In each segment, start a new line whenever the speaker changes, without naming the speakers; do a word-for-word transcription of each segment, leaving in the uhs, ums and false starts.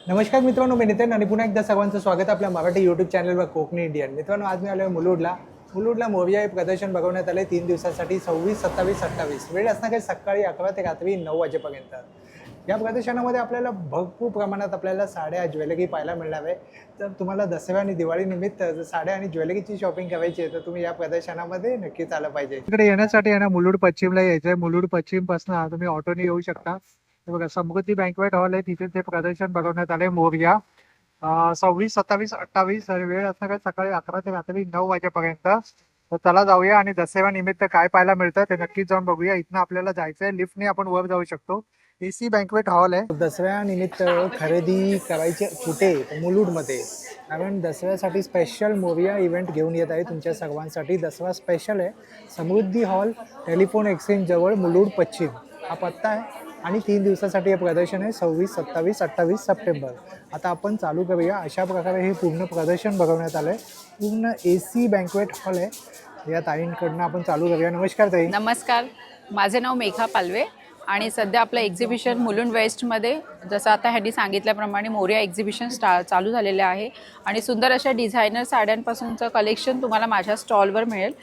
नमस्कार मित्रांनो, मी नितीन आणि पुन्हा एकदा सर्वांचं स्वागत आहे आपल्या मराठी यूट्यूब चॅनलवर कोकणी इंडियन. मित्रांनो, आज मी आलो आहे मुलुडला. मुलुडला मोरया हे प्रदर्शन भरवण्यात आले तीन दिवसांसाठी सव्वीस सत्तावीस अठ्ठावीस. वेळ असणार आहे सकाळी अकरा ते रात्री नऊ वाजेपर्यंत. या प्रदर्शनामध्ये आपल्याला भरपूर प्रमाणात आपल्याला साड्या ज्वेलरी पाहायला मिळणार आहे. तर तुम्हाला दसरा आणि दिवाळीनिमित्त जर साड्या आणि ज्वेलरीची शॉपिंग करायची आहे तर तुम्ही या प्रदर्शनामध्ये नक्कीच आलं पाहिजे. इकडे येण्यासाठी आहे ना, मुलुड पश्चिमला यायचं आहे. मुलुड पश्चिमपासून तुम्ही ऑटोने येऊ शकता. हे बघा, समृद्धी बँकवेट हॉल आहे, तिथे ते प्रदर्शन भरवण्यात आले मोरया. सव्वीस सत्तावीस अठ्ठावीस वेळ असणार आहे सकाळी अकरा ते रात्री नऊ वाजेपर्यंत. तर चला जाऊया आणि दसऱ्या निमित्त काय पाहायला मिळतं ते नक्कीच जाऊन बघूया. इथनं आपल्याला जायचंय, लिफ्टने आपण वर जाऊ शकतो. एसी बँकवेट हॉल आहे. दसऱ्या निमित्त खरेदी करायचे कुठे? मुलुडमध्ये. कारण दसऱ्यासाठी स्पेशल मोरया इव्हेंट घेऊन येत आहे तुमच्या सर्वांसाठी. दसरा स्पेशल आहे. समृद्धी हॉल, टेलिफोन एक्सचेंज जवळ, मुलुड पश्चिम हा पत्ता आहे. आणि तीन दिवसासाठी हे प्रदर्शन आहे, सव्वीस सत्तावीस अठ्ठावीस सप्टेंबर. आता आपण चालू करूया. अशा प्रकारे हे पूर्ण प्रदर्शन भरवण्यात आलं आहे. पूर्ण ए सी बँकवेट हॉल आहे. या ताईंकडनं आपण चालू करूया. नमस्कार ताई.
नमस्कार, माझे नाव मेघा पालवे आणि सध्या आपलं एक्झिबिशन मुलुंड वेस्टमध्ये, जसं आता ह्यांनी सांगितल्याप्रमाणे मोरया एक्झिबिशन स्टा चालू झालेलं आहे. आणि सुंदर अशा डिझायनर साड्यांपासूनचं कलेक्शन तुम्हाला माझ्या स्टॉलवर मिळेल.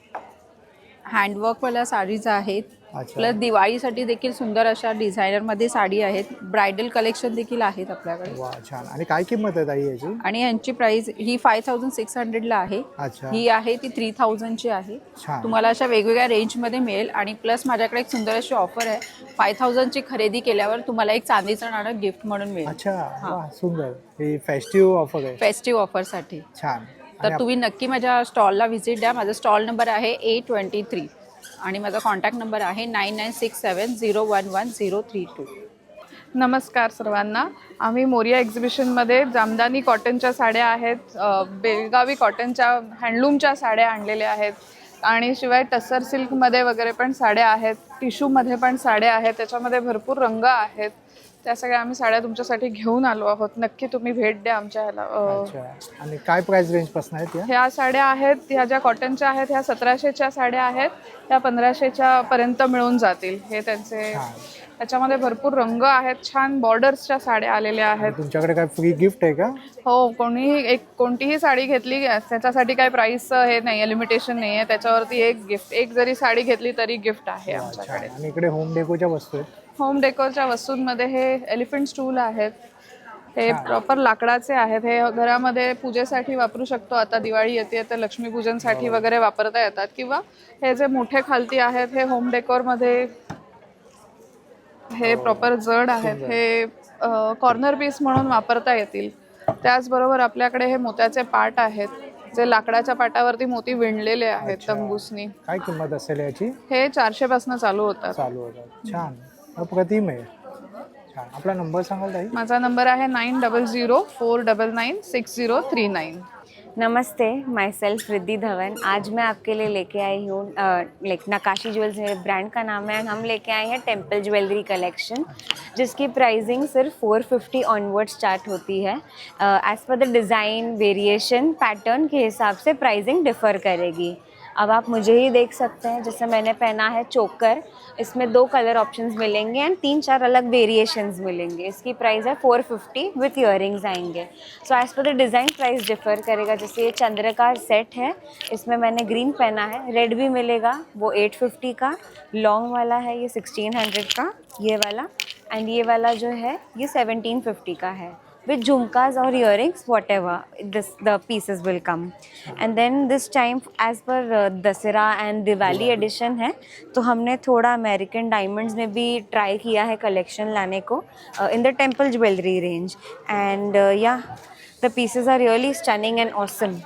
हँडवर्कवाल्या साडीज आहेत, प्लस दिवाळीसाठी देखील सुंदर अशा डिझायनरमध्ये साडी आहेत. ब्रायडल कलेक्शन देखील आहेत आपल्याकडे.
वा, छान. आणि काय किंमत आहे ताई याची?
आणि यांची प्राइस ही फाय थाउजंड सिक्स हंड्रेडला आहे. ही आहे ती थ्री थाउजंडची आहे. तुम्हाला अशा वेगवेगळ्या रेंजमध्ये मिळेल. आणि प्लस माझ्याकडे एक सुंदर अशी ऑफर आहे. फाय थाउजंडची खरेदी केल्यावर तुम्हाला एक चांदीचं नाणं गिफ्ट म्हणून मिळेल.
अच्छा, सुंदर. ही फेस्टिव्ह ऑफर आहे.
फेस्टिव्ह ऑफरसाठी.
छान.
तर तुम्ही नक्की माझ्या स्टॉलला व्हिजिट द्या. माझा स्टॉल नंबर आहे ए ट्वेंटी थ्री आणि माझा कॉन्टॅक्ट नंबर आहे nine nine six seven zero one one zero three two.
नमस्कार सर्वांना. आम्ही मोरया एक्झिबिशनमध्ये जामदानी कॉटनच्या साड्या आहेत, बेळगावी कॉटनच्या हँडलूमच्या साड्या आणलेल्या आहेत आणि शिवाय टसर सिल्कमध्ये वगैरे पण साड्या आहेत, टिश्यूमध्ये पण साड्या आहेत, त्याच्यामध्ये भरपूर रंग आहेत. त्या सगळ्या आम्ही साड्या तुमच्यासाठी घेऊन आलो आहोत. नक्की तुम्ही भेट द्या आमच्या ह्याला.
आणि काय प्राइस रेंज पासून आहेत?
ह्या साड्या आहेत, ह्या ज्या कॉटनच्या आहेत ह्या सतराशेच्या साड्या आहेत, त्या पंधराशेच्या पर्यंत मिळून जातील. हे त्यांचे त्याच्यामध्ये भरपूर रंग आहेत, छान बॉर्डर्सच्या साड्या आलेल्या आहेत.
तुमच्याकडे काय फ्री गिफ्ट आहे का?
हो, कोणीही एक कोणतीही साडी घेतली त्याच्यासाठी काही प्राइस हे नाही आहे, लिमिटेशन नाही आहे. त्याच्यावरती एक गिफ्ट, एक जरी साडी घेतली तरी गिफ्ट आहे आमच्याकडे.
आणि इकडे होम डेकोच्या वस्तू आहेत.
होम डेकोरच्या वस्तूंमध्ये हे एलिफंट स्टूल आहेत. हे प्रॉपर लाकडाचे आहेत. हे घरामध्ये पूजेसाठी वापरू शकतो. आता दिवाळी येते तर लक्ष्मीपूजनसाठी वगैरे वापरता येतात. किंवा हे जे मोठे खालती आहेत हे होम डेकोरमध्ये हे प्रॉपर जड आहेत. हे कॉर्नर पीस म्हणून वापरता येतील. त्याचबरोबर आपल्याकडे हे मोत्याचे पाट आहेत, जे लाकडाच्या पाटावरती मोती विणलेले आहेत तंबूसनी.
काय किंमत असेल याची?
हे चारशे पासून चालू होतात.
चालू होतात. छान, अप्रतिम आहे. छान. आपला नंबर सांगाल ताई?
माझा नंबर आहे nine double zero four double nine six zero three nine.
नमस्ते, माई सेल्फ रिद्धि धवन. आज मैं आपके लिए लेके आई हूँ लाइक नकाशी ज्वेल्स है ब्रांड का नाम है. हम लेके आए हैं टेम्पल ज्वेलरी कलेक्शन, जिसकी प्राइसिंग सिर्फ फोर फिफ्टी ऑनवर्ड स्टार्ट होती है. As per the design, variation, pattern के हिसाब से प्राइसिंग डिफ़र करेगी. अब आप मुझे ही देख सकते हैं, जैसे मैंने पहना है चोकर. इसमें दो कलर ऑप्शंस मिलेंगे एंड तीन चार अलग वेरिएशंस मिलेंगे. इसकी प्राइस है फोर फिफ्टी विथ ईयरिंग्स आएंगे. So as per the design price differ करेगा. जैसे ये चंद्रकार सेट है, इसमें मैंने ग्रीन पहना है. रेड भी मिलेगा, वो एट फिफ्टी का. लॉन्ग वाला है ये सिक्सटीन हंड्रेड का, ये वाला. एंड ये वाला जो है ये सेवनटीन फिफ्टी का है. with jhumkas or earrings, whatever this the pieces will come. And then this time as per uh, Dasera and Diwali edition है, तो हमने थोड़ा अमेरिकन डायमंड्स में भी ट्राई किया है कलेक्शन लाने को in the temple jewellery range. And या the pieces are really stunning and awesome.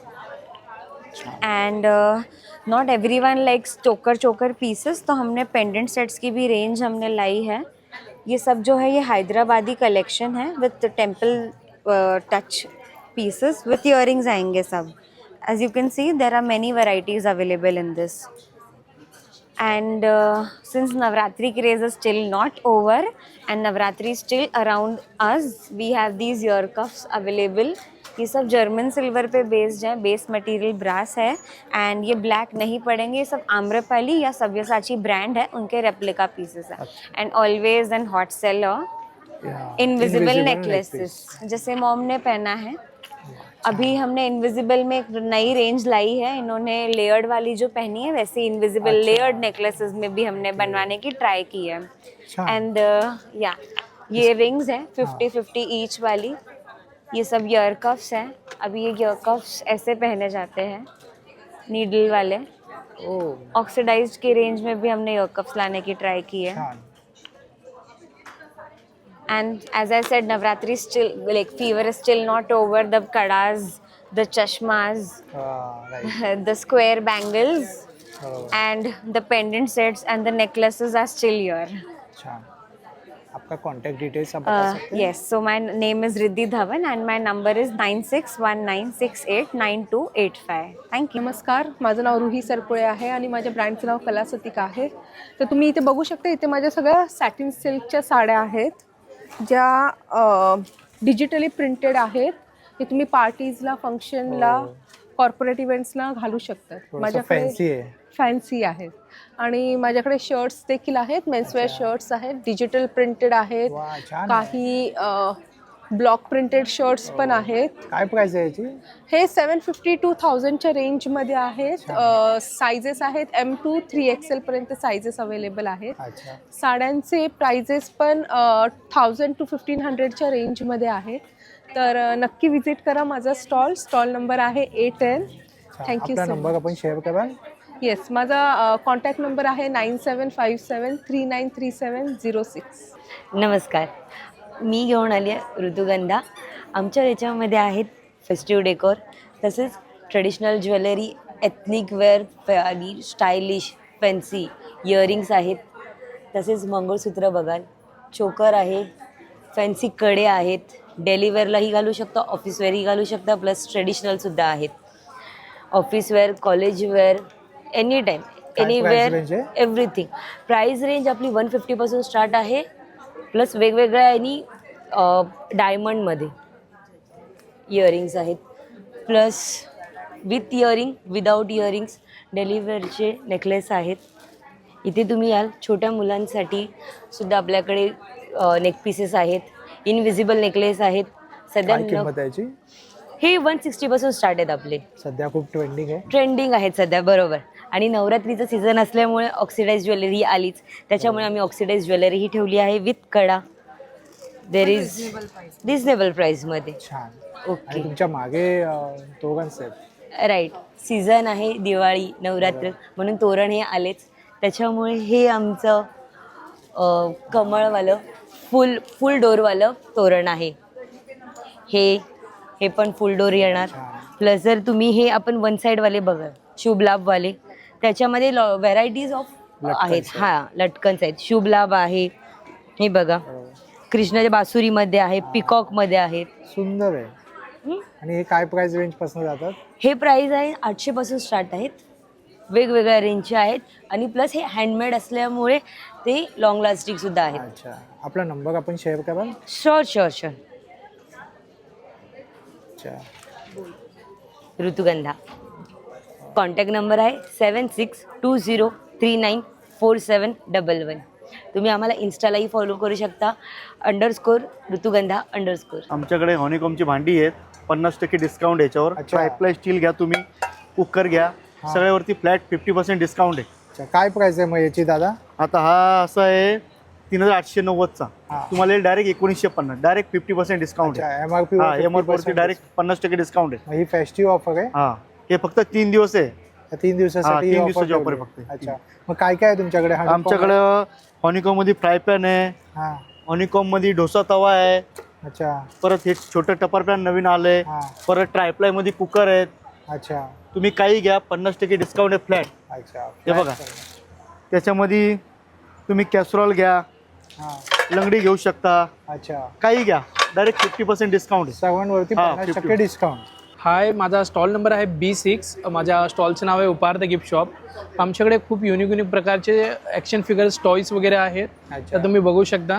And uh, not everyone likes choker choker pieces, तो हमने पेंडेंट सेट्स की भी रेंज हमने लाई है. ये सब जो है ये हैदराबादी कलेक्शन है with temple touch pieces with earrings आएंगे सब. As you can see there are many varieties available in this. And uh, since Navratri craze is still not over and Navratri is still around us, we have these ear cuffs available. ये सब German silver पे based है, base material brass है and ये black नहीं पड़ेंगे. ये सब आम्रपाली या सव्यसाची ब्रांड है, उनके रेप्लिका पीसेस है. And always and hot seller invisible necklaces, जैसे मॉम ने पहना है। अभी हमने इनविजिबल में एक नई रेंज लाई है, इन्होंने लेयर्ड वाली जो पहनी है वैसे इनविजिबल लेयर्ड नेकलेसेस में भी हमने बनवाने की ट्राई की है। एंड या ये रिंग्स है फिफ्टी फिफ्टी ईच वाली, ये सब ईयर कफ्स हैं। अभी ये ईयर कफ्स ऐसे पहने जाते हैं नीडल वाले। ऑक्सीडाइज्ड की रेंज में भी हमने ईयर कफ्स लाने की ट्राई की है। And as I said, Navratri still, like fever is still not over. The kadas, the chashmas,
right.
the square bangles,
बरोबर.
and the pendant sets and the necklaces are still here.
छान. आपका contact details आप बता
Uh,
सकते हैं?
yes, so my name is Riddhi Dhawan and my number is nine six one nine six eight nine two eight five. Thank you.
नमस्कार, माझं नाव रुही सरपुळे आहे आणि माझ्या ब्रँडचं नाव कलासतिका आहे. तर तुम्ही इथे बघू शकता, इथे माझ्या सगळ्या सॅटिन सिल्कच्या साड्या आहेत ज्या डिजिटली प्रिंटेड आहेत. हे तुम्ही पार्टीजला, फंक्शनला, कॉर्पोरेट इव्हेंट्सला घालू शकतात. माझ्याकडे
फॅन्सी आहे.
फॅन्सी आहेत आणि माझ्याकडे शर्ट्स देखील आहेत, मेन्सवेअर शर्ट्स आहेत, डिजिटल प्रिंटेड आहेत,
वा, छान आहे.
काही ब्लॉक प्रिंटेड शर्ट्स पण आहेत.
काय प्राइस आहे याची?
हे सेवन फिफ्टी टू थाउजंडच्या रेंजमध्ये आहेत. सायझेस आहेत एम टू थ्री एक्सेलपर्यंत सायझेस अवेलेबल आहेत.
अच्छा.
साड्यांचे प्राइजेस पण थाउजंड टू फिफ्टीन हंड्रेडच्या रेंजमध्ये आहे. तर अ, नक्की विजिट करा माझा स्टॉल. स्टॉल नंबर आहे ए टेन. थँक्यू
आपला
सो
नंबर आपण शेअर कराल?
येस, माझा कॉन्टॅक्ट नंबर आहे nine seven five seven three nine three seven zero six.
नमस्कार, मी घेऊन आली आहे ऋतुगंधा. आमच्या याच्यामध्ये आहेत फेस्टिव्ह डेकोर, तसेच ट्रेडिशनल ज्वेलरी, एथनिक वेअर आणि स्टायलिश फॅन्सी इयरिंग्स आहेत. तसेच मंगळसूत्र बघाल, चोकर आहे, फॅन्सी कडे आहेत. डेली वेअरलाही घालू शकता, ऑफिस वेअरही घालू शकता, प्लस ट्रेडिशनलसुद्धा आहेत. Office wear, college wear, any time, anywhere, everything. Price range आपली वन फिफ्टीपासून स्टार्ट आहे, प्लस वेगवेगळ्या आणि डायमंडमध्ये इयरिंग्स आहेत, plus with earring, without earrings, डेलिव्हरचे नेकलेस आहेत. इथे तुम्ही याल, छोट्या मुलांसाठी सुद्धा आपल्याकडे नेक पीसेस आहेत, इनविजिबल नेकलेस आहेत. सध्या
काय किंमत आहे याची?
हे वन सिक्स्टीपासून स्टार्ट आहेत आपले.
सध्या खूप ट्रेंडिंग आहे.
ट्रेंडिंग आहेत सध्या, बरोबर. आणि नवरात्रीचं सीझन असल्यामुळे ऑक्सिडाइज ज्वेलरी आलीच, त्याच्यामुळे आम्ही ऑक्सिडाइज ज्वेलरी ही ठेवली आहे with kada. There is reasonable प्राईसमध्ये.
छान.
ओके,
आणि तुमच्या मागे तोरणच आहेत.
राईट. सीझन आहे दिवाळी, नवरात्र, म्हणून तोरण हे आलेच. त्याच्यामुळे हे आमचं अ, कमळवालं फुल फुल डोरवालं तोरण आहे. हे हे पण फुल डोर येणार. प्लस जर तुम्ही हे आपण वन साईडवाले बघा, शुभ लाभवाले, त्याच्यामध्ये व्हरायटीज ऑफ आहेत. हां, लटकन्स आहेत, शुभ लाभ आहे. हे बघा, कृष्णाच्या बासुरीमध्ये आहे, पिकॉकमध्ये आहेत.
सुंदर आहे. आणि हे काय प्राइस रेंज पासून जातात?
हे प्राईस आहे आठशे पासून स्टार्ट आहेत, वेगवेगळ्या रेंजचे आहेत. आणि प्लस हे हँडमेड असल्यामुळे ते लॉंग लास्टिंग सुद्धा आहेत.
अच्छा. आपला नंबर आपण शेअर कराल?
Sure sure sure.
अच्छा.
ऋतुगंधा. कॉन्टॅक्ट नंबर आहे seven six two zero three nine four seven double one. तुम्ही आम्हाला इन्स्टालाही फॉलो करू शकता, अंडरस्कोर ऋतुगंधा अंडरस्कोर.
आमच्याकडे हॉनिकॉमची भांडी आहेत, पन्नास टक्के डिस्काउंट याच्यावर. ट्रायप्लाय स्टील घ्या तुम्ही, कुकर घ्या, सगळ्यावरती फ्लॅट फिफ्टी पर्सेंट डिस्काउंट आहे.
अच्छा. काय प्राइस आहे मग याची दादा?
आता हा असा आहे तीन हजार आठशे नव्वदचा, तुम्हाला डायरेक्ट एकोणीसशे पन्नास, डायरेक्ट फिफ्टी पर्सेंट डिस्काउंट आहे.
एम आर पी
हा, एम आर पीवरती डायरेक्ट पन्नास टक्के डिस्काउंट आहे.
ही फेस्टिव्ह ऑफर आहे?
हा, हे फक्त तीन दिवस आहे.
तीन दिवसासाठी
तीन दिवसाची ऑफर आहे फक्त.
अच्छा. मग काय काय आहे तुमच्याकडे?
आमच्याकडं हॉनिकॉम मध्ये फ्राय पॅन आहे,
हां.
हॉनिकॉम मध्ये डोसा तवा आहे.
अच्छा.
परत हे छोटं टपर पॅन नवीन आलंय.
हां.
परत ट्रायप्लाय मध्ये कुकर आहेत.
अच्छा.
तुम्ही काही घ्या, पन्नास टक्के डिस्काउंट आहे फ्लॅट.
अच्छा.
हे बघा, त्याच्यामध्ये तुम्ही कॅसरॉल घ्या,
हां.
लंगडी घेऊ शकता,
अच्छा.
काही घ्या, डायरेक्ट फिफ्टी पर्सेंट डिस्काउंट आहे.
सर्वांवरती
हां,
पन्नास
फिफ्टी.
टक्के डिस्काउंट.
हाय, माझा स्टॉल नंबर आहे बी सिक्स. माझ्या स्टॉलचं नाव आहे उपार्थ गिफ्ट शॉप. आमच्याकडे खूप युनिक युनिक प्रकारचे ॲक्शन फिगर्स, टॉईस वगैरे आहेत, तर तुम्ही बघू शकता.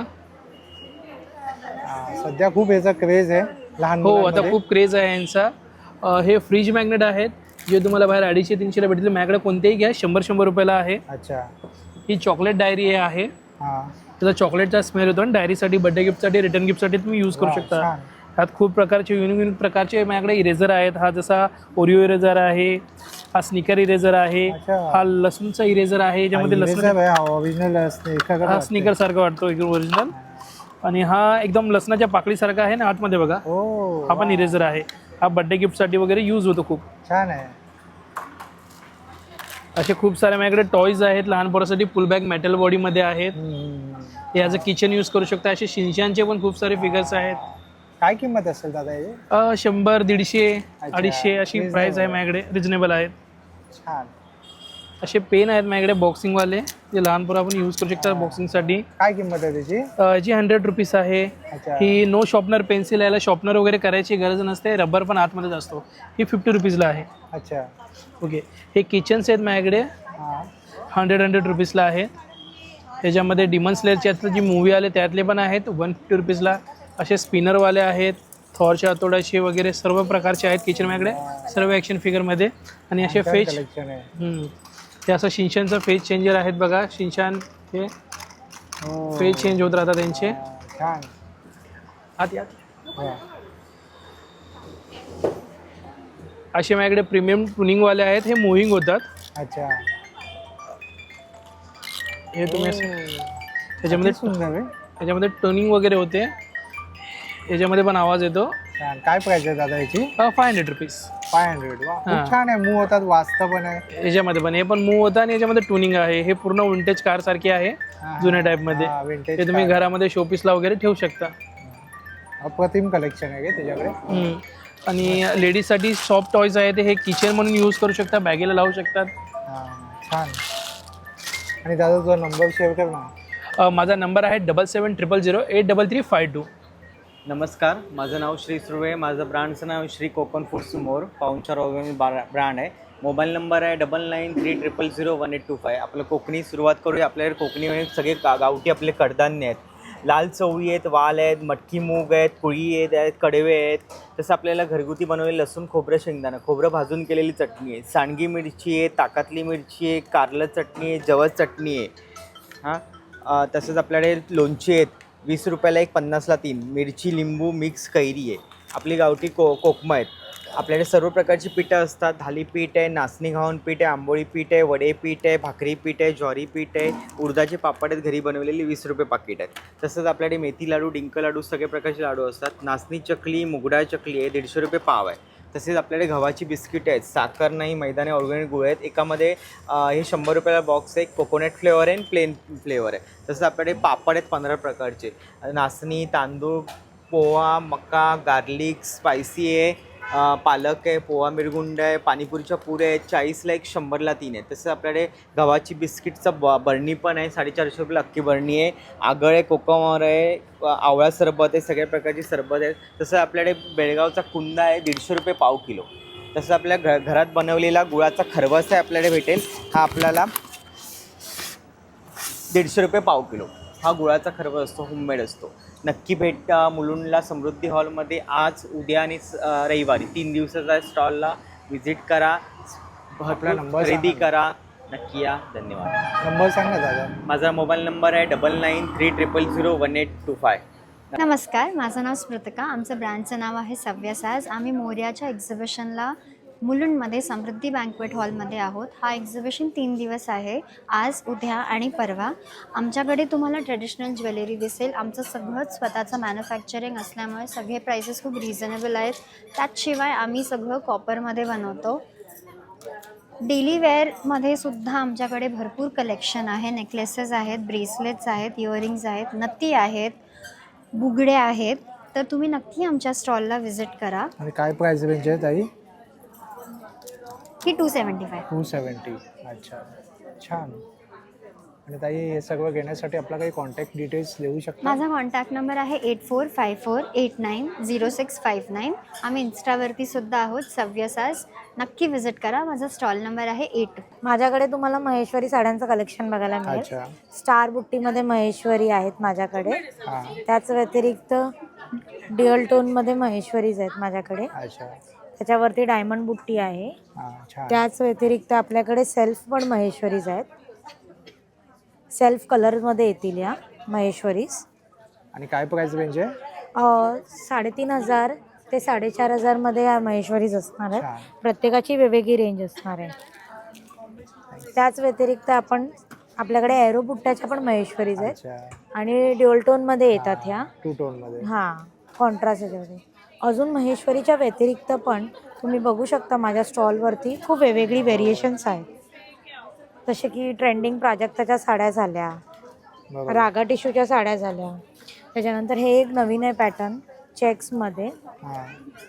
हां, सध्या खूप याचा क्रेज आहे लहान
हो, आता
मुलांमध्ये.
खूप क्रेज आहे यांचा. अ, हे फ्रीज मॅग्नेट आहेत, जे तुम्हाला बाहेर अडीचशे तीनशेला भेटतील. माझ्याकडे कोणतेही घ्या, शंभर शंभर रुपयाला आहे.
अच्छा.
ही चॉकलेट डायरी आहे.
हां.
त्याचा चॉकलेटचा स्मेल होतो आणि डायरीसाठी, बर्थडे गिफ्टसाठी, रिटर्न गिफ्टसाठी तुम्ही यूज करू
वा,
शकता.
छान.
ह्यात खूप प्रकारचे युनिक युनिक प्रकारचे माझ्याकडे इरेझर आहेत. हा जसा ओरिओ इरेझर आहे, हा स्निकर इरेझर आहे,
अच्छा.
हा लसूणचा इरेझर आहे याच्यामध्ये लसूण
ओरिजिनल
हा स्निकर सारखा वाटतो एकदम ओरिजिनल. आणि हा एकदम लसणाच्या पाकळीसारखा आहे ना आतमध्ये बघा,
हो
हा पण इरेझर आहे. हा बर्थडे गिफ्टसाठी वगैरे यूज होतो खूप.
छान आहे.
असे खूप सारे माझ्याकडे टॉयज आहेत लहान पोरासाठी, फुल बॅग मेटल बॉडीमध्ये आहेत.
हम्म.
हे ॲज अ किचन यूज करू शकता. असे शिनशानचे पण खूप सारे फिगर्स आहेत.
काय किंमत असेल दादा याची?
अ, शंभर, दीडशे,
अच्छा.
अडीचशे अशी
Reasonable.
प्राईस आहे माझ्याकडे, रिजनेबल आहेत.
छान.
असे पेन आहेत माझ्याकडे बॉक्सिंगवाले, जे लहान पोरं आपण यूज करू शकता बॉक्सिंगसाठी.
काय किंमत आहे त्याची?
याची हंड्रेड रुपीज आहे.
अच्छा.
ही नो शॉर्पनर पेन्सिल, याला शॉर्पनर वगैरे करायची गरज नसते, रबर पण आतमध्येच असतो. ही फिफ्टी रुपीजला आहे.
अच्छा.
ओके. हे किचन्स आहेत माझ्याकडे,
हां.
हंड्रेड हंड्रेड रुपीजला आहेत. त्याच्यामध्ये डिमन स्लेअरची आता जी मूवी आले त्यातले पण आहेत वन फिफ्टी रुपीजला. असे स्पिनरवाले आहेत, थॉरच्या हातोड्याचे वगैरे सर्व प्रकारचे आहेत किचन माझ्याकडे, सर्व ॲक्शन फिगरमध्ये. आणि असे
छान
फेज
collection आहे.
हम्म. ते असं शिनशानचं फेज चेंजर आहेत बघा. शिनशान हे
हो.
फेज चेंज होत राहतात त्यांचे.
छान.
आत यात
वा.
असे माझ्याकडे प्रीमियम टुनिंगवाले आहेत, हे मुव्हिंग होतात.
अच्छा.
हे तुम्ही असं-
हो.
त्याच्यामध्ये
किती सुंदर आहे.
त्याच्यामध्ये टर्निंग वगैरे होते, याच्यामध्ये पण आवाज येतो.
छान. काय प्राइस आहे दादा याची?
Five hundred rupees
five hundred. वा,
हां.
खूप छान आहे. मूव होतात, वाचतं पण आहे.
याच्यामध्ये पण हे पण मूव होतं आणि याच्यामध्ये टुनिंग आहे. हे पूर्ण विंटेज कार सारखी आहे,
हां,
जुन्या टाईपमध्ये.
हां, vintage
ते तुम्ही
car.
घरामध्ये शोपीसला वगैरे ठेवू शकता.
अप्रतिम कलेक्शन आहे का त्याच्याकडे?
हम्म. आणि लेडीजसाठी सॉफ्ट टॉयज आहेत, हे किचन म्हणून यूज करू शकता, बॅगेला लावू शकतात.
हां, छान. आणि दादा तुझा नंबर शेअर कर ना.
अ, माझा नंबर आहे double seven triple zero eight double three five two.
नमस्कार, माझं नाव श्री सुर्वे. माझं ब्रँडचं नाव श्री कोकण फूड्स मोर, पाहुणचार ऑर्गॅनिक ब्रँड आहे. मोबाईल नंबर आहे double nine three triple zero one eight two five. आपलं कोकणी सुरुवात करूया. आपल्याकडे कोकणी सगळे गा गावठी आपले कडधान्य आहेत. लाल चवळी आहेत, वाल आहेत, मटकी मूग आहेत, कुळी आहेत, आहेत कडवे आहेत. तसं आपल्याला घरगुती बनवलेलं लसूण, खोबरं, शेंगदाणं, खोबरं भाजून केलेली चटणी आहे, सांडगी मिरची आहे, ताकातली मिरची आहे, कारलं चटणी आहे, जवस चटणी आहे. हां, तसंच आपल्याकडे लोणची आहेत, वीस रुपयाला एक, पन्नासला तीन. मिरची, लिंबू, मिक्स कैरी आहे. आपली गावठी को कोकमं आहेत. आपल्याकडे सर्व प्रकारची पिठं असतात. थालीपीठ आहे, नाचणी घावन पीठ आहे, आंबोळी पीठ आहे, वडे पीठ आहे, भाकरी पीठ आहे, ज्वारी पीठ आहे, उडदाचे पापड आहेत घरी बनवलेली, वीस रुपये पाकिट आहेत. तसंच आपल्याकडे मेथी लाडू, डिंक लाडू, सगळे प्रकारचे लाडू असतात. नाचणी चकली, मुगडाळ चकली आहे, दीडशे रुपये पाव आहे. तसेच आपल्याकडे गव्हाची बिस्किट आहेत, साखर नाही, मैदाने ऑर्गॅनिक गुळ आहेत. एकामध्ये हे शंभर रुपयाला बॉक्स आहे, कोकोनट फ्लेवर आहे आणि प्लेन फ्लेवर आहे. तसंच आपल्याकडे पापड आहेत पंधरा प्रकारचे, नाचणी, तांदूळ, पोहा, मका, गार्लिक, स्पायसी आहे, पालक आहे, पोहा मिरगुंड आहे, पाणीपुरीच्या पुऱ्या आहेत, चाळीसला एक, शंभरला तीन आहे. तसं आपल्याकडे गव्हाची बिस्किटचं ब बरणी पण आहे, साडेचारशे रुपयाला अख्खी बरणी आहे. आगळ आहे, कोकमर आहे, आवळा सरबत आहे, सगळ्या प्रकारची सरबत आहे. तसं आपल्याकडे बेळगावचा कुंदा आहे, दीडशे रुपये पाव किलो. तसं आपल्या घ घरात बनवलेला गुळाचा खरवस आहे आपल्याकडे भेटेल, हा आपल्याला दीडशे रुपये पाव किलो. हा गुळाचा खरवस असतो, होममेड असतो. नक्की भेट मुलुंडला समृद्धी हॉलमध्ये आज, उद्या आणि रविवारी तीन दिवसाचा स्टॉलला व्हिजिट करा,
आपला नंबर
खरेदी
सांगा.
करा, नक्की या. धन्यवाद.
नंबर सांग ना दादा.
माझा मोबाईल नंबर आहे double nine three triple zero one eight two five.
नमस्कार, माझं नाव स्मृतिका. आमचं ब्रँडचं नाव आहे सव्यसाज. आम्ही मोर्याच्या एक्झिबिशनला मुलुंडमध्ये समृद्धी बँक्वेट हॉलमध्ये आहोत. हा एक्झिबिशन तीन दिवस आहे, आज, उद्या आणि परवा. आमच्याकडे तुम्हाला ट्रेडिशनल ज्वेलरी दिसेल. आमचं सगळंच स्वतःचं मॅन्युफॅक्चरिंग असल्यामुळे सगळे प्राइसेस खूप रिझनेबल आहेत. त्याचशिवाय आम्ही सगळं कॉपरमध्ये बनवतो. डेली वेअरमध्ये सुद्धा आमच्याकडे भरपूर कलेक्शन आहे. नेकलेसेस आहेत, ब्रेसलेट्स आहेत, इयरिंग्ज आहेत, नत्ती आहेत, बुगडे आहेत. तर तुम्ही नक्की आमच्या स्टॉलला व्हिजिट करा.
आणि काय प्राइस रेंज आहे ताई?
ही two seventy five.
Two seventy. अच्छा, छान. आणि ताई हे सगळं घेण्यासाठी आपला काही कॉन्टॅक्ट डिटेल्स देऊ शकता?
माझा कॉन्टॅक्ट नंबर आहे eight four five four eight nine zero six five nine. आम्ही इन्स्टावरती सुद्धा आहोत, सव्यसाज. नक्की व्हिजिट करा. माझा स्टॉल नंबर आहे एट.
माझ्याकडे तुम्हाला महेश्वरी साड्यांचं कलेक्शन बघायला मिळेल.
अच्छा.
स्टार बुट्टीमध्ये महेश्वरी आहेत माझ्याकडे.
हां.
त्याच व्यतिरिक्त डिअल टोनमध्ये महेश्वरीज आहेत माझ्याकडे.
अच्छा.
त्याच्यावरती डायमंड बुट्टी आहे.
हां, छान.
त्याच व्यतिरिक्त आपल्याकडे सेल्फ पण महेश्वरीज आहेत. सेल्फ कलरमध्ये येतील या. महेश्वरीज.
आणि काय प्राइस रेंज आहे?
अ, साडेतीन हजार ते साडेचार हजारमध्ये या महेश्वरीज असणार
छान.
आहे. प्रत्येकाची वेगवेगळी रेंज असणार आहे. त्याच व्यतिरिक्त आपण आपल्याकडे एरो बुट्ट्याच्या पण महेश्वरीज आहेत
अच्छा,
आणि ड्युअल टोनमध्ये येतात ह्या.
टू टोन मध्ये.
हां, कॉन्ट्रास्ट याच्यामध्ये. अजून महेश्वरीच्या व्यतिरिक्त पण तुम्ही बघू शकता माझ्या स्टॉलवरती खूप वेगवेगळी व्हेरिएशन्स आहेत. जसे की ट्रेंडिंग प्राजक्ताच्या साड्या झाल्या,
बरोबर.
रागा टिश्यूच्या साड्या झाल्या. त्याच्यानंतर हे एक नवीन आहे पॅटर्न चेक्समध्ये.
हा,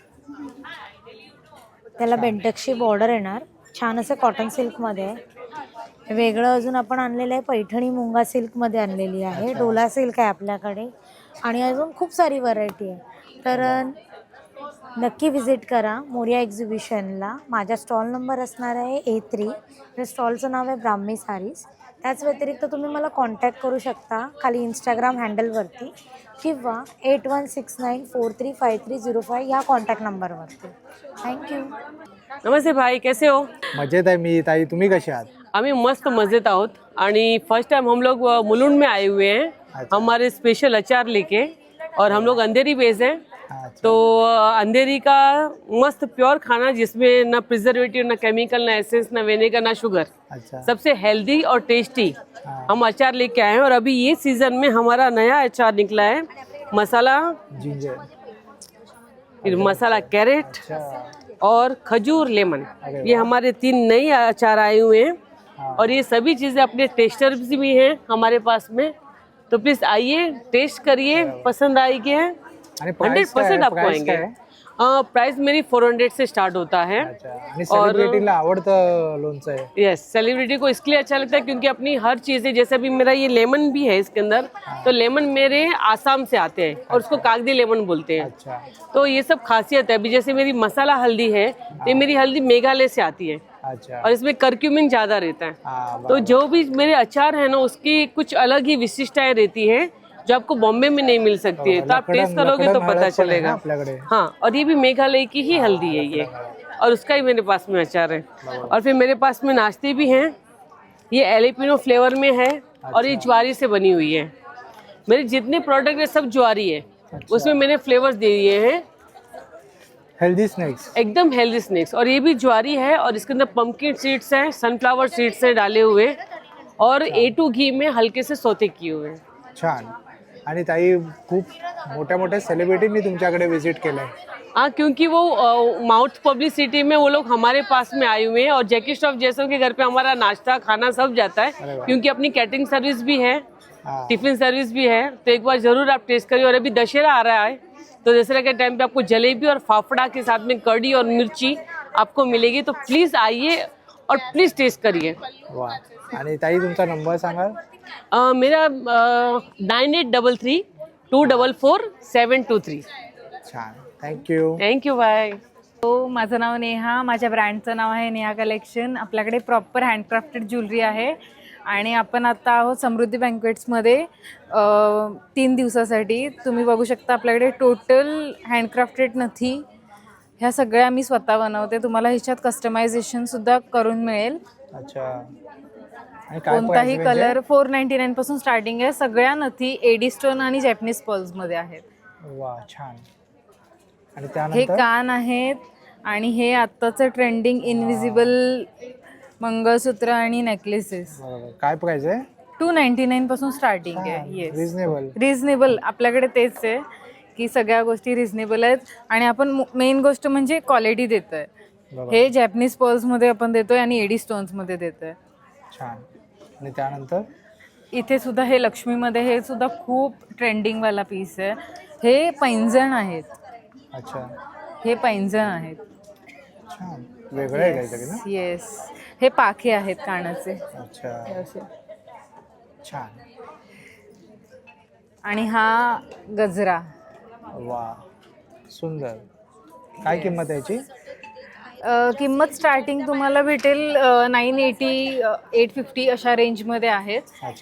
त्याला बेंटक्सची बॉर्डर येणार. छान असं कॉटन सिल्कमध्ये आहे. वेगळं अजून आपण आणलेलं आहे पैठणी मुंगा सिल्कमध्ये आणलेली आहे. डोला सिल्क आहे आपल्याकडे आणि अजून खूप सारी व्हरायटी आहे. तर नक्की व्हिजिट करा मोरिया एक्झिबिशनला. माझा स्टॉल नंबर असणार आहे ए थ्री. त्या स्टॉलचं नाव आहे ब्राह्मी सारीज. त्याच व्यतिरिक्त तुम्ही मला कॉन्टॅक्ट करू शकता खाली इंस्टाग्राम हँडलवरती किंवा eight one six nine four three five three zero five ह्या कॉन्टॅक्ट नंबरवरती. थँक्यू.
नमस्ते भाई, कैसे हो?
मजेत आहे मी. ताई तुम्ही कसे आहात?
हमें मस्त मजेत आहोत आणि फर्स्ट टाइम हम लोग अ, मुलुंड में आए हुए हैं.
अच्छा.
हमारे स्पेशल अचार लेके और हम लोग अंधेरी बेस हैं.
अच्छा.
तो अ, अंधेरी का मस्त प्योर खाना जिसमें ना प्रिजर्वेटिव, ना केमिकल, ना एसेंस, ना विनेगर, ना शुगर,
अच्छा,
सबसे हेल्दी और टेस्टी
हाँ.
हम अचार लेके आए हैं. और अभी ये सीजन में हमारा नया अचार निकला है, मसाला,
जिंजर.
फिर मसाला कैरेट
अच्छा,
और खजूर लेमन.
अरे
ये हमारे तीन नए अचार आए हुए हैं.
हाँ.
और ये सभी चीज़ें अपने टेस्टर्स भी हैं हमारे पास में. तो प्लीज़ आइए, टेस्ट करिए, पसंद आएगी है.
आणि
हंड्रेड
price काय
परसेंट
आहे?
आपको
price
आएंगे.
काय आहे?
प्राइस मेरी फोर हंड्रेड से स्टार्ट होता है.
अच्छा, आणि सेलिब्रिटीला आवडतं लोणचं आहे.
यस, सेलिब्रिटी को इसलिए अच्छा लगता है क्योंकि अपनी हर चीज़ें, जैसे अभी मेरा ये लेमन भी है इसके अंदर, तो लेमन मेरे आसाम से आते हैं और उसको कागदी लेमन बोलते हैं.
अच्छा,
तो ये सब खासियत है. अभी जैसे मेरी मसाला हल्दी है, ये मेरी हल्दी मेघालय से आती है
अच्छा.
और इसमें कर्क्यूमिन ज़्यादा रहता है.
हाँ,
तो जो भी मेरे अचार है ना, उसकी कुछ अलग ही विशिष्टताएं रहती है जो आपको बॉम्बे में नहीं मिल सकती है. तो आप टेस्ट करोगे तो पता चलेगा.
आपल्याकडे.
हाँ, और ये भी मेघालय की ही हल्दी है ये, और उसका ही मेरे पास में अचार है. और फिर मेरे पास में नाश्ते भी हैं. ये एलिपिनो फ्लेवर में है और ये ज्वारी से बनी हुई है. मेरे जितने प्रोडक्ट है सब ज्वारी है. उसमें मैंने फ्लेवर्स दे दिए हैं.
Healthy snacks.
एकदम हेल्दी स्नैक्स. और ये भी ज्वारी है और इसके अंदर पंपकिन सीड्स हैं, सनफ्लावर सीड्स हैं डाले हुए, और ए टू घी में हल्के से सोते किए हुए हैं.
छान. आणि ताई खूप मोठ्या मोठ्या सेलिब्रिटींनी तुमच्याकडे विजिट केलंय.
हाँ, क्योंकि वो माउथ पब्लिसिटी में वो लोग हमारे पास में आए हुए हैं. और जैकी श्रॉफ जैसों के घर पे हमारा नाश्ता खाना सब जाता
अरे
है
वाह.
क्योंकि अपनी कैटरिंग सर्विस भी है,
हाँ.
टिफिन सर्विस भी है. तो एक बार जरूर आप टेस्ट करिए. और अभी दशहरा आ रहा है, तो दशहरा के टाइम पे आपको जलेबी और फाफड़ा के साथ में कड़ी और मिर्ची आपको मिलेगी. तो प्लीज़ आइए और प्लीज़ टेस्ट करिए.
वा. आणि ताई तुमचा नंबर सांगाल?
अ, मेरा nine eight double three two double four seven two three.
छान. थँक्यू.
Thank you, bye.
हो, माझं नाव नेहा. माझ्या ब्रँडचं नाव आहे नेहा कलेक्शन. आपल्याकडे प्रॉपर हँडक्राफ्टेड ज्वेलरी आहे आणि आपण आता आहोत समृद्धी बँक्वेट्समध्ये अ, तीन दिवसासाठी. तुम्ही बघू शकता आपल्याकडे टोटल हँडक्राफ्टेड नथी ह्या सगळ्या मी स्वतः बनवते. तुम्हाला ह्याच्यात कस्टमायझेशनसुद्धा करून मिळेल.
अच्छा. आणि काय
कोणताही
price range आहे?
कलर फोर नाईन्टी नाईन पासून स्टार्टिंग आहे. सगळ्या नथी एडी स्टोन आणि जॅपनीज पर्ल्समध्ये आहेत.
वा, छान. आणि
हे
त्यानंतर
कान आहेत आणि हे आत्ताचं ट्रेंडिंग इनविजिबल मंगळसूत्र आणि नेकलेसेस.
बरोबर. काय प्राइस आहे?
टू नाईन्टी नाईन पासून स्टार्टिंग आहे. Yes,
reasonable.
रिझनेबल. आपल्याकडे तेच आहे की सगळ्या गोष्टी रिझनेबल आहेत आणि आपण मेन गोष्ट म्हणजे क्वालिटी देतो आहे.
बरोबर.
हे जॅपनीज पर्ल्समध्ये आपण देतोय आणि एडी स्टोन्समध्ये देतोय.
छान. आणि त्यानंतर
इथे सुद्धा हे लक्ष्मीमध्ये हे सुद्धा खूप ट्रेंडिंगवाला पीस आहे. हे पैंजण आहेत.
अच्छा.
हे पैंजण आहेत.
छान. वेगळं आहे काहीतरी ना?
येस, हे पाखे आहेत कानाचे.
अच्छा.
असे.
छान.
आणि हा गजरा.
वा, सुंदर. काय किंमत आहे याची?
अ, किंमत स्टार्टिंग तुम्हाला भेटेल नाईन एटी एट फिफ्टी अशा रेंजमध्ये आहेत.
अच्छा.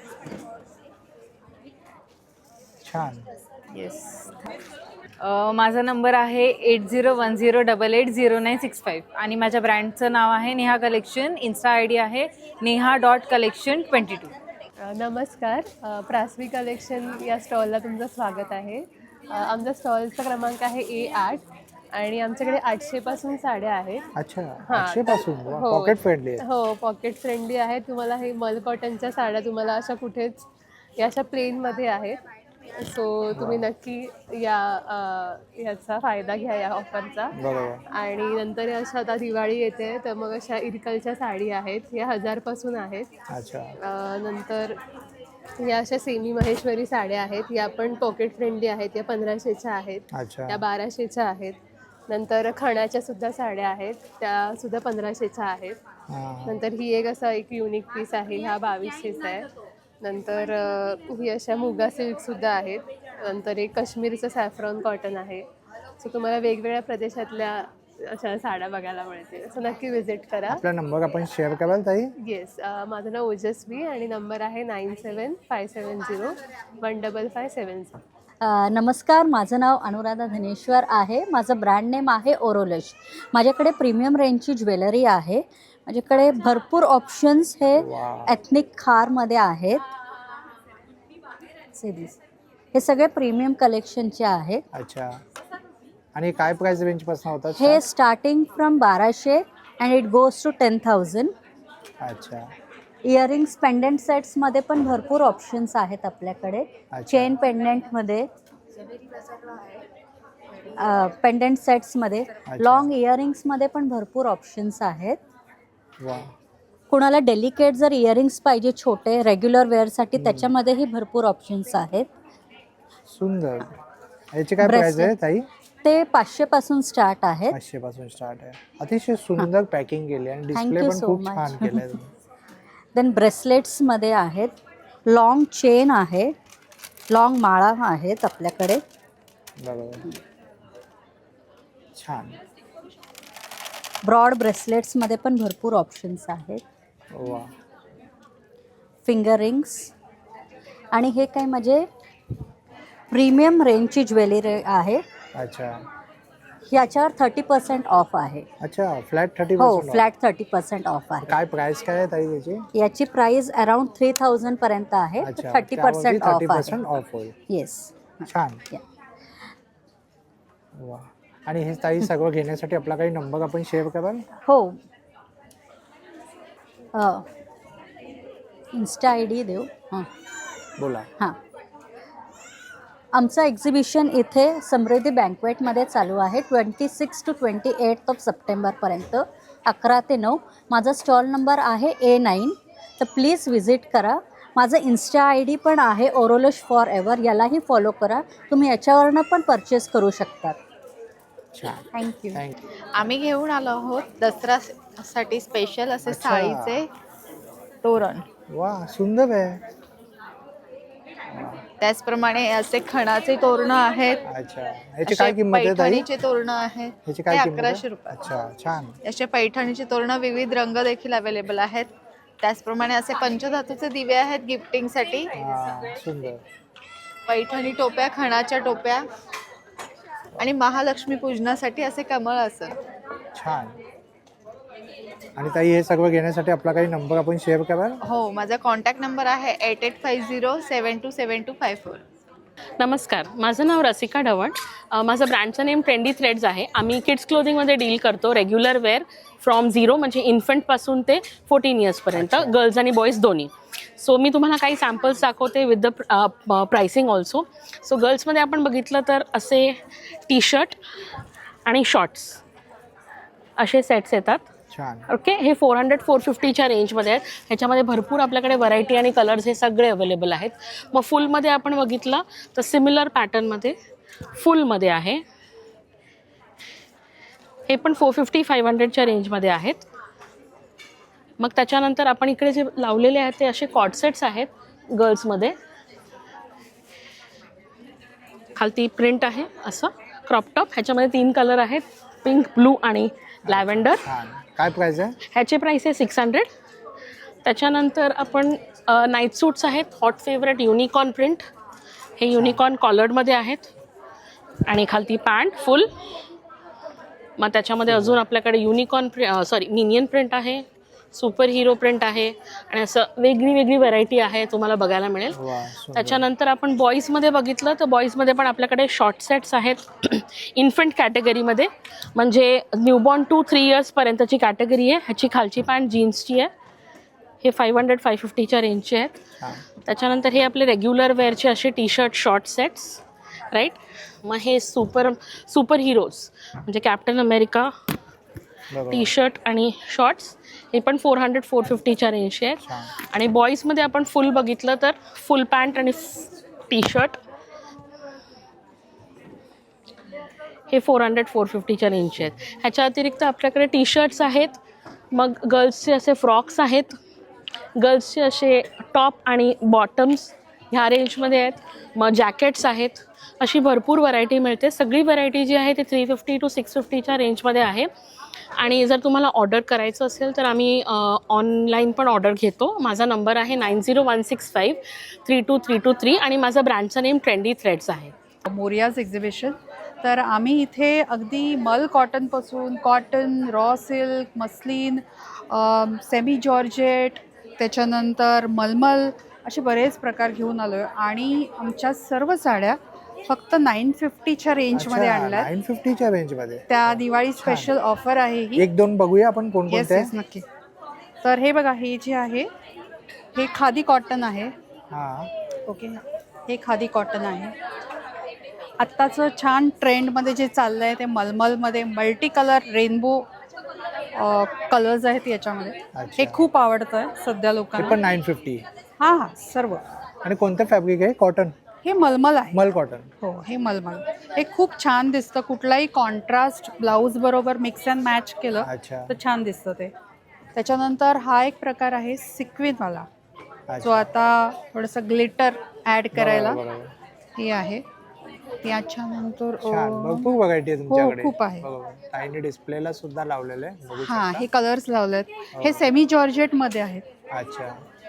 छान.
येस. माझा नंबर आहे eight zero one zero double eight zero nine six five आणि माझ्या ब्रँडचं नाव आहे Neha collection. Insta I D आहे Neha dot collection twenty two.
अ, नमस्कार. अ, प्रास्वी कलेक्शन या स्टॉलला तुमचं स्वागत आहे. अ, आमचा स्टॉलचा क्रमांक आहे ए आठ आणि आमच्याकडे आठशेपासून साड्या आहेत.
अच्छा,
हां,
आठशे पासून
तर-
वा,
हो
पॉकेट फ्रेंडली आहे.
हो पॉकेट फ्रेंडली आहे. तुम्हाला हे मल कॉटनच्या साड्या तुम्हाला अशा कुठेच या अशा प्लेनमध्ये आहेत. सो तुम्ही नक्की या अ, याचा फायदा घ्या या ऑफरचा.
बरोबर.
आणि नंतर अशा आता दिवाळी येते तर मग अशा इरकलच्या साडी आहेत, या हजारपासून आहेत.
अच्छा.
अ, नंतर या अशा सेमी महेश्वरी साड्या आहेत, या पण पॉकेट फ्रेंडली आहेत, या पंधराशेच्या आहेत,
अच्छा.
त्या बाराशेच्या आहेत. नंतर खणाच्या सुद्धा साड्या आहेत, त्या सुद्धा पंधराशेच्या आहेत.
हां.
नंतर ही एक असा एक युनिक पीस आहे, ह्या बावीसशेचा आहे. नंतर अ, ही अशा मुगा सिल्कसुद्धा आहेत. नंतर एक काश्मीरचं सॅफ्रॉन कॉटन आहे. सो तुम्हाला वेगवेगळ्या प्रदेशातल्या अशा साड्या बघायला मिळतील. सो नक्की विजिट करा.
आपला नंबर आपण शेअर कराल ताई?
येस, माझं नाव ओजस्वी आणि नंबर आहे nine seven five seven zero one double five seven zero.
अ, नमस्कार, माझं नाव अनुराधा धनेश्वर आहे. माझं ब्रँड नेम आहे ओरोलश. माझ्याकडे प्रीमियम रेंजची ज्वेलरी आहे. माझ्याकडे भरपूर ऑप्शन्स हे एथनिक खारमध्ये आहेत. सिरीज हे सगळे प्रीमियम कलेक्शनचे आहेत.
अच्छा. आणि काय प्राइस रेंज पासून होतात?
हे स्टार्टिंग फ्रॉम बाराशे and it goes to ten thousand.
अच्छा.
इयरिंग्स पेंडंट सेट्समध्ये पण भरपूर ऑप्शन्स आहेत आपल्याकडे. चेन पेंडंटमध्ये, पेंडंट सेट्समध्ये, लॉंग इयरिंग्समध्ये पण भरपूर ऑप्शन्स आहेत.
वा.
कुणाला डेलिकेट जर इयरिंग्स पाहिजे छोटे रेग्युलर वेअरसाठी, त्याच्यामध्येही भरपूर ऑप्शन्स आहेत.
सुंदर. याची काय प्राइस आहे ताई?
ते पाचशे पासून स्टार्ट आहे.
पाचशे पासून स्टार्ट आहे. अतिशय सुंदर पॅकिंग केली आणि डिस्प्ले पण खूप छान केलाय तुम्ही.
देन ब्रेसलेट्समध्ये आहेत, लॉंग चेन आहे, लॉंग माळा आहेत आपल्याकडे.
बरोबर. छान.
ब्रॉड ब्रेसलेट्समध्ये पण भरपूर ऑप्शन्स आहेत.
वा.
Finger rings. आणि हे काय म्हणजे प्रीमियम रेंजची ज्वेलरी आहे.
अच्छा.
याच्यावर थर्टी पर्सेंट ऑफ आहे.
अच्छा, फ्लॅट थर्टी
हो,
percent
flat thirty percent off आहे.
काय प्राइस काय आहे ताई याची?
याची प्राइस अराउंड थ्री थाउजंड पर्यंत आहे.
अच्छा,
थर्टी पर्सेंट ऑफ
पर्सेंट
आहे.
ऑफ होईल.
येस.
छान. वा. आणि हे ताई सगळं घेण्यासाठी आपला काही नंबर आपण शेअर कराल?
हो. इन्स्टा आय डी देऊ. हां
बोला.
हां. आमचं एक्झिबिशन इथे समृद्धी बँकवेटमध्ये चालू आहे twenty six to twenty eight of सप्टेंबरपर्यंत, अकरा ते नऊ. माझा स्टॉल नंबर आहे ए नाईन. तर प्लीज विजिट करा. माझं इन्स्टा आय डी पण आहे ओरोलश फॉर एव्हर, यालाही फॉलो करा. तुम्ही याच्यावरनं पण परचेस करू शकतात.
थँक्यू. आम्ही घेऊन आलो आहोत दसऱ्यासाठी स्पेशल असे
अच्छा.
साडीचे तोरण.
वा, सुंदर आहे.
त्याचप्रमाणे असे खणाचे तोरणं आहेत.
अच्छा. याची काय किंमत आहे ताई?
पैठणीचे तोरणं आहेत.
याची
ते
काय किंमत आहे?
अकराशे रुपये.
अच्छा, छान.
असे पैठणीचे तोरणं विविध रंग देखील अवेलेबल आहेत. त्याचप्रमाणे असे पंचधातूचे दिवे आहेत गिफ्टिंगसाठी.
हां, सुंदर.
पैठणी टोप्या, खणाच्या टोप्या आणि महालक्ष्मी पूजनासाठी असे कमळ असं.
छान. आणि ताई हे सगळं घेण्यासाठी आपला काही नंबर आपण शेअर कराल?
हो, माझा कॉन्टॅक्ट नंबर आहे eight eight five zero seven two seven two five four.
नमस्कार, माझं नाव रसिका ढवण. अ, माझं ब्रँडचं नेम ट्रेंडी थ्रेड्स आहे. आम्ही किड्स क्लोथिंगमध्ये डील करतो. रेग्युलर वेअर फ्रॉम झिरो म्हणजे इन्फंटपासून ते फोर्टीन इयर्सपर्यंत, गर्ल्स आणि बॉईज दोन्ही. सो मी तुम्हाला काही सॅम्पल्स दाखवते with the pricing also. So गर्ल्समध्ये आपण बघितलं तर असे टी शर्ट आणि शॉर्ट्स असे सेट्स येतात. ओके. हे फोर हंड्रेड फोर फिफ्टीच्या रेंजमध्ये आहेत. ह्याच्यामध्ये भरपूर आपल्याकडे व्हरायटी आणि कलर्स हे सगळे अवेलेबल आहेत. मग फुलमध्ये आपण बघितलं तर सिमिलर पॅटर्नमध्ये फुलमध्ये आहे. हे पण फोर फिफ्टी फाईव्ह हंड्रेडच्या रेंजमध्ये आहेत. मग त्याच्यानंतर आपण इकडे जे लावलेले आहेत ते असे कॉट सेट्स आहेत गर्ल्समध्ये. खालती प्रिंट आहे असं क्रॉप टॉप. ह्याच्यामध्ये तीन कलर आहेत, पिंक, ब्लू आणि लॅव्हेंडर.
काय प्राइस आहे?
ह्याचे प्राइस आहे सिक्स हंड्रेड. त्याच्यानंतर आपण नाईट सूट्स आहेत, हॉट फेवरेट युनिकॉर्न प्रिंट. हे युनिकॉर्न कॉलर्डमध्ये आहेत आणि खालती पॅन्ट फुल. मग त्याच्यामध्ये अजून आपल्याकडे युनिकॉर्न प्रि सॉरी मिनियन प्रिंट आहे, सुपर हिरो प्रिंट आहे आणि असं वेगळी वेगळी व्हरायटी आहे तुम्हाला बघायला मिळेल.
वा, सुंदर.
त्याच्यानंतर आपण बॉईजमध्ये बघितलं तर बॉईजमध्ये पण आपल्याकडे शॉर्ट सेट्स आहेत इन्फंट कॅटेगरीमध्ये, म्हणजे न्यूबॉर्न टू थ्री इयर्सपर्यंतची कॅटेगरी आहे. ह्याची खालची पॅन्ट जीन्सची आहे. हे फाईव्ह हंड्रेड फाय फिफ्टीच्या रेंजचे आहेत. त्याच्यानंतर हे आपले रेग्युलर वेअरचे असे T shirt short sets right. मग हे सुपर सुपर हिरोज म्हणजे कॅप्टन अमेरिका टी शर्ट आणि शॉर्ट्स, हे पण फोर हंड्रेड फोर फिफ्टीच्या रेंजचे आहेत. आणि बॉईजमध्ये आपण फुल बघितलं तर फुल पॅन्ट आणि टी शर्ट हे फोर हंड्रेड फोर फिफ्टीच्या रेंजचे आहेत. ह्याच्या अतिरिक्त आपल्याकडे टी शर्ट्स आहेत, मग गर्ल्सचे असे फ्रॉक्स आहेत, गर्ल्सचे असे टॉप आणि बॉटम्स ह्या रेंजमध्ये आहेत, मग जॅकेट्स आहेत. अशी भरपूर व्हरायटी मिळते. सगळी व्हरायटी जी आहे ती थ्री फिफ्टी टू सिक्स फिफ्टीच्या रेंजमध्ये आहे. आणि जर तुम्हाला ऑर्डर करायचं असेल तर आम्ही ऑनलाईन पण ऑर्डर घेतो. माझा नंबर आहे nine zero one six five three two three two three आणि माझं ब्रँडचं नेम ट्रेंडी थ्रेड्स आहे.
मोरियाज एक्झिबिशन. तर आम्ही इथे अगदी मल कॉटनपासून cotton, raw silk, muslin, semi georgette, त्याच्यानंतर मलमल असे बरेच प्रकार घेऊन आलो आहे. आणि आमच्या सर्व साड्या फक्त नाईन फिफ्टीच्या रेंजमध्ये आणल्या.
नाईन फिफ्टीच्या रेंजमध्ये
त्या दिवाळी स्पेशल ऑफर आहे ही.
एक दोन बघूया आपण कोणकोणते
येस येस नक्की. तर हे बघा, हे जे आहे हे खादी कॉटन आहे.
हां
ओके, हे खादी कॉटन आहे. आत्ताचं छान ट्रेंडमध्ये जे चाललं आहे ते मलमलमध्ये मल्टी कलर रेनबो कलर्स आहेत याच्यामध्ये. हे खूप आवडतं आहे सध्या
हे
लोकांना.
पण नाईन फिफ्टी.
हां हां सर्व.
आणि कोणतं फॅब्रिक आहे? कॉटन?
हे मलमल आहे.
मल कॉटन.
हो, हे मलमल. हे खूप छान दिसतं. कुठलाही कॉन्ट्रास्ट ब्लाऊज बरोबर मिक्स अँड मॅच केलं
अच्छा.
तर छान दिसतं ते. त्याच्यानंतर हा एक प्रकार आहे सिक्विनवाला, जो आता थोडंसं ग्लिटर ॲड करायला हे आहे. याच्यानंतर
छान, भरपूर व्हरायटी आहे
हो
तुमच्याकडे.
खूप आहे.
ताईने डिस्प्लेला सुद्धा लावलेलं आहे, बघू
हां,
शकता.
हे कलर्स लावलेत. हे सेमी जॉर्जेटमध्ये आहेत.
अच्छा,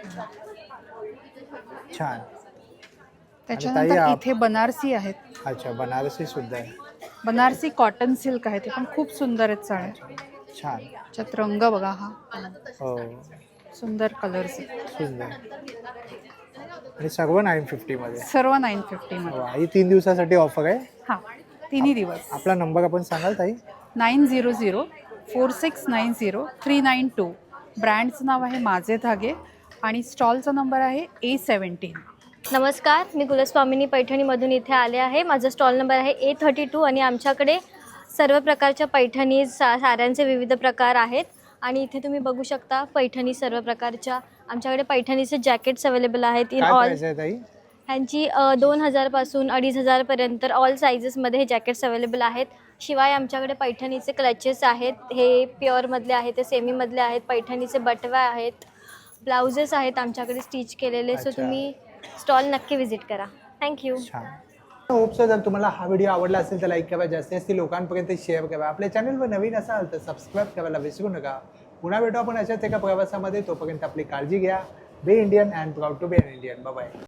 छान.
त्याच्यानंतर
ताई,
इथे बनारसी आहेत.
अच्छा, बनारसी सुद्धा आहे.
बनारसी कॉटन सिल्क आहे, ते पण खूप सुंदर आहेत साड्या.
छान.
त्याच्यात रंग बघा, हा
हो
सुंदर कलर्स आहेत.
सुंदर. आणि सर्व नाईन फिफ्टी मध्ये.
सर्व नाईन फिफ्टी मध्ये.
वा, ही तीन दिवसासाठी ऑफर आहे.
हां, तिन्ही दिवस.
आपला नंबर आपण सांगाल ताई?
Nine zero zero four six nine zero three nine two. ब्रँडचं नाव आहे माझे धागे आणि स्टॉलचा नंबर आहे ए सेवन्टीन.
नमस्कार, मी कुलस्वामिनी पैठणीमधून इथे आले आहे. माझा स्टॉल नंबर आहे ए थर्टी टू आणि आमच्याकडे सर्व प्रकारच्या पैठणी सा साड्यांचे विविध प्रकार आहेत. आणि इथे तुम्ही बघू शकता पैठणी सर्व प्रकारच्या. आमच्याकडे पैठणीचे जॅकेट्स अवेलेबल आहेत इन ऑल. ह्यांची दोन हजारपासून अडीच हजारपर्यंत ऑल सायझेसमध्ये हे जॅकेट्स अवेलेबल आहेत. शिवाय आमच्याकडे पैठणीचे क्लचेस आहेत, हे प्युअरमधले आहेत, ते सेमीमधले आहेत. पैठणीचे बटव्या आहेत, ब्लाउजेस आहेत आमच्याकडे स्टिच केलेले. सो तुम्ही स्टॉल नक्की व्हिजिट करा. थँक्यू.
होप सो जर तुम्हाला हा व्हिडिओ आवडला असेल तर लाईक करा, जास्तीत जास्त लोकांपर्यंत शेअर करा. आपल्या चॅनलवर नवीन असाल तर सबस्क्राईब करायला विसरू नका. पुन्हा भेटू आपण अशाच एका प्रवासामध्ये. तोपर्यंत आपली काळजी घ्या. Be Indian and proud to be an Indian. Bye bye.